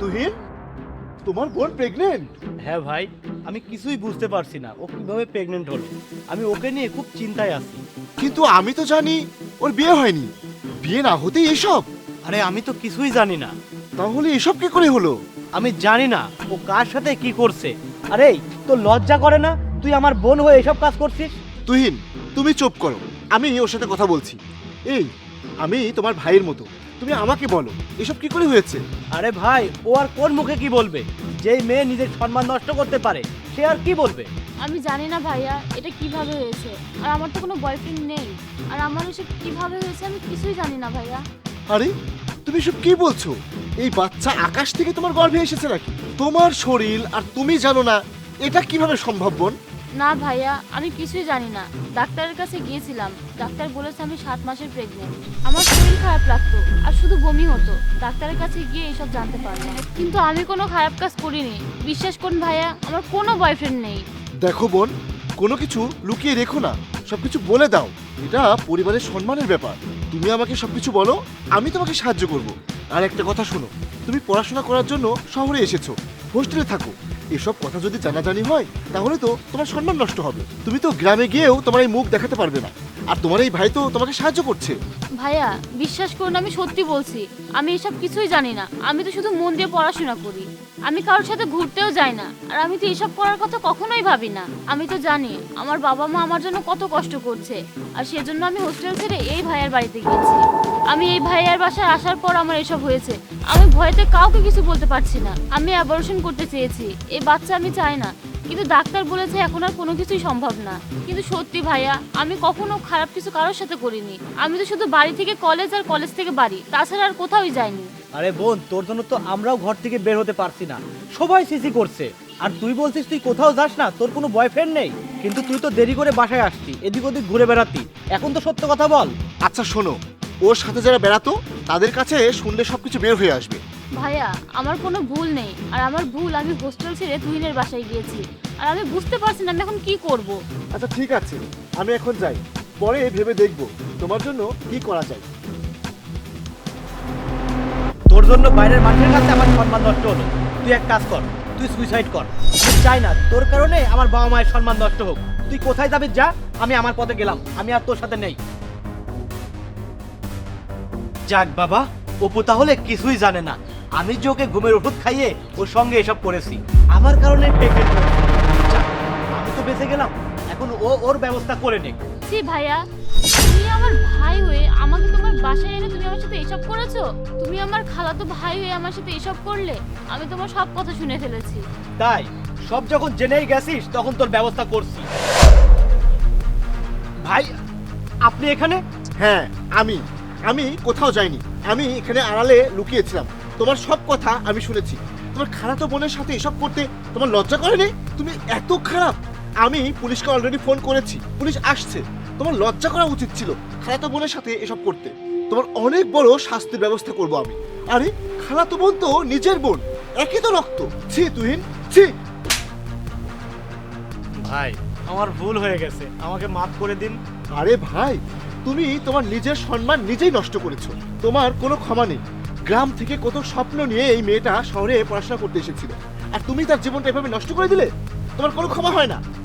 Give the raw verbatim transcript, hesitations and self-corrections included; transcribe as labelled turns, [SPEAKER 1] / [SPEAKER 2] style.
[SPEAKER 1] তুহিন, তোমার বোন প্রেগনেন্ট?
[SPEAKER 2] হ্যাঁ ভাই, আমি কিছুই বুঝতে পারছি না ও কিভাবে প্রেগনেন্ট হলো। আমি ওকে নিয়ে খুব চিন্তায় আছি।
[SPEAKER 1] কিন্তু আমি তো জানি ওর বিয়ে হয়নি। বিয়ে না হতেই এসব?
[SPEAKER 2] আরে আমি তো কিছুই জানি না।
[SPEAKER 1] তাহলে এসব কি করে হলো?
[SPEAKER 2] আমি জানি না ও কার সাথে কি করছে। আরে তোর লজ্জা করে না? তুই আমার বোন হয়ে এসব কাজ করছিস?
[SPEAKER 1] তুহিন, তুমি চুপ করো, আমি ওর সাথে কথা বলছি। এই, আমি তোমার ভাইয়ের মতো, তুমি আমাকে বলো এসব কি করে হয়েছে?
[SPEAKER 2] আরে ভাই, ও আর কোন মুখে কি বলবে? যেই মেয়ে নিজের সম্মান নষ্ট করতে পারে সে আর কি বলবে?
[SPEAKER 3] আমি জানি না ভাইয়া এটা কিভাবে হয়েছে, আর আমার তো কোনো বয়ফ্রেন্ড নেই, আর আমার এসব কিভাবে হয়েছে আমি কিছুই জানি না ভাইয়া।
[SPEAKER 1] আরে তুমি সব কি বলছো? এই বাচ্চা আকাশ থেকে তোমার গর্ভে এসেছে নাকি? তোমার শরীর আর তুমি জানো না, এটা কিভাবে সম্ভব বোন?
[SPEAKER 3] না ভাইয়া, আমি কিছুই জানি না। ডাক্তারের কাছে গিয়েছিলাম, ডাক্তার বলেছে আমি সাত মাসের প্রেগনেন্ট। আমার শরীর খারাপ লাগতো আর শুধু বমি হতো, ডাক্তারের কাছে গিয়ে এসব জানতে পারলাম। কিন্তু আমি কোনো খারাপ কাজ করিনি, বিশ্বাস করুন ভাইয়া, আমার কোনো বয়ফ্রেন্ড নেই।
[SPEAKER 1] দেখো বোন, কোনো কিছু লুকিয়ে রেখো না, সবকিছু বলে দাও। এটা পরিবারের সম্মানের ব্যাপার। তুমি আমাকে সবকিছু বলো, আমি তোমাকে সাহায্য করব। আর একটা কথা শোনো, তুমি পড়াশোনা করার জন্য শহরে এসেছো, হোস্টেলে থাকো। এসব কথা যদি জানাজানি হয় তাহলে তো তোমার সম্মান নষ্ট হবে। তুমি তো গ্রামে গিয়েও তোমার এই মুখ দেখাতে পারবে না, আর তোমার এই ভাই তো তোমাকে সাহায্য করছে।
[SPEAKER 3] ভাইয়া বিশ্বাস করুন, আমি সত্যি বলছি, আমি এসব কিছুই জানি না। আমি তো শুধু মন দিয়ে পড়াশোনা করি, আমি কারোর সাথে ঘুরতেও যাই না, আর আমি তো এসব করার কথা কখনোই ভাবি না। আমি তো জানি আমার বাবা মা আমার জন্য কত কষ্ট করছে, আর সেজন্য আমি হোস্টেল ছেড়ে এই ভাইয়ার বাড়িতে গিয়েছি। আমি এই ভাইয়ার বাসায় আসার পর আমার এসব হয়েছে। আমি ভয়েতে কাউকে কিছু বলতে পারছি না। আমি অ্যাবর্শন করতে চেয়েছি, এই বাচ্চা আমি চাই না, কিন্তু ডাক্তার বলেছে এখন আর কোনো কিছুই সম্ভব না। কিন্তু সত্যি ভাইয়া, আমি কখনো খারাপ কিছু কারোর সাথে করিনি। আমি তো শুধু বাড়ি থেকে কলেজ আর কলেজ থেকে বাড়ি, তাছাড়া আর কোথাওই যাইনি।
[SPEAKER 2] আরে বোন, তোর জন্য তো আমরাও ঘর থেকে বের হতে পারছি না, সবাই সিসি করছে। আর তুই বলছিস তুই কোথাও যাস না, তোর কোনো বয়ফ্রেন্ড নেই, কিন্তু তুই তো দেরি করে বাসায় আসতি, এদিক ওদিক ঘুরে বেড়াতি। এখন তো সত্য কথা বল।
[SPEAKER 1] আচ্ছা শোনো, ওর সাথে যারা বেড়াতো তাদের কাছে শুনলে সবকিছু বের হয়ে আসবে।
[SPEAKER 3] ভাইয়া আমার কোনো ভুল নেই, আর আমার ভুল আমি হোস্টেল ছেড়ে তুহিনের বাসায় গিয়েছি, আর আমি বুঝতে পারছি না আমি এখন কি করব।
[SPEAKER 1] আচ্ছা ঠিক আছে, আমি এখন যাই, পরে ভেবে দেখব তোমার জন্য কি করা যায়।
[SPEAKER 2] তোর জন্য বাইরের মানুষের কাছে আমার সম্মান নষ্ট হলো। তুই এক কাজ কর, তুই সুইসাইড কর। আমি চাই না তোর কারণে আমার বাবা মায়ের সম্মান নষ্ট হোক। তুই কোথায় যাবি যা, আমি আমার পথে গেলাম, আমি আর তোর সাথে নেই। যাক বাবা, অপু তাহলে কিছুই জানে না। আমি যে ওকে ঘুমের ওষুধ খাইয়ে ওর সঙ্গে এসব করেছি, আমার কারণে প্রেগনেন্ট হয়েছে। যাক, আমি তো বেঁচে গেলাম, এখন ও ওর ব্যবস্থা করে নে।
[SPEAKER 3] সি ভাইয়া, তুমি আমার ভাই হয়ে আমাকে তোমার বাসায় এনে তুমি আমার সাথে এসব করেছো? তুমি আমার খালাতো ভাই হয়ে আমার সাথে এসব করলে? আমি তোমার সব কথা শুনে ফেলেছি।
[SPEAKER 2] তাই সব যখন জেনেই গেছিস তখন তোর ব্যবস্থা করছি। ভাই, আপনি এখানে?
[SPEAKER 1] হ্যাঁ, আমি আমি কোথাও যাইনি, আমি এখানে আড়ালে লুকিয়েছিলাম। তোমার সব কথা আমি শুনেছি। তোমার খালাতো বোনের সাথে এসব করতে তোমার লজ্জা করেনি? তুমি এত খারাপ। আমি পুলিশকে অলরেডি ফোন করেছি, পুলিশ আসছে। তোমার লজ্জা করা উচিত ছিল খালাতো বোনের সাথে এসব করতে। তোমার অনেক বড় শাস্তির ব্যবস্থা করব আমি। আরে খালাতো বোন তো নিজের বোন, একই তো রক্ত। ছি তুহিন, ছি।
[SPEAKER 2] ভাই, আমার ভুল হয়ে গেছে, আমাকে মাফ করে দিন।
[SPEAKER 1] আরে ভাই, তুমি তোমার নিজের সম্মান নিজেই নষ্ট করেছো, তোমার কোনো ক্ষমা নেই। গ্রাম থেকে কত স্বপ্ন নিয়ে এই মেয়েটা শহরে পড়াশোনা করতে এসেছিল, আর তুমি তার জীবনটা এভাবে নষ্ট করে দিলে? তোমার কোনো ক্ষমা হয় না।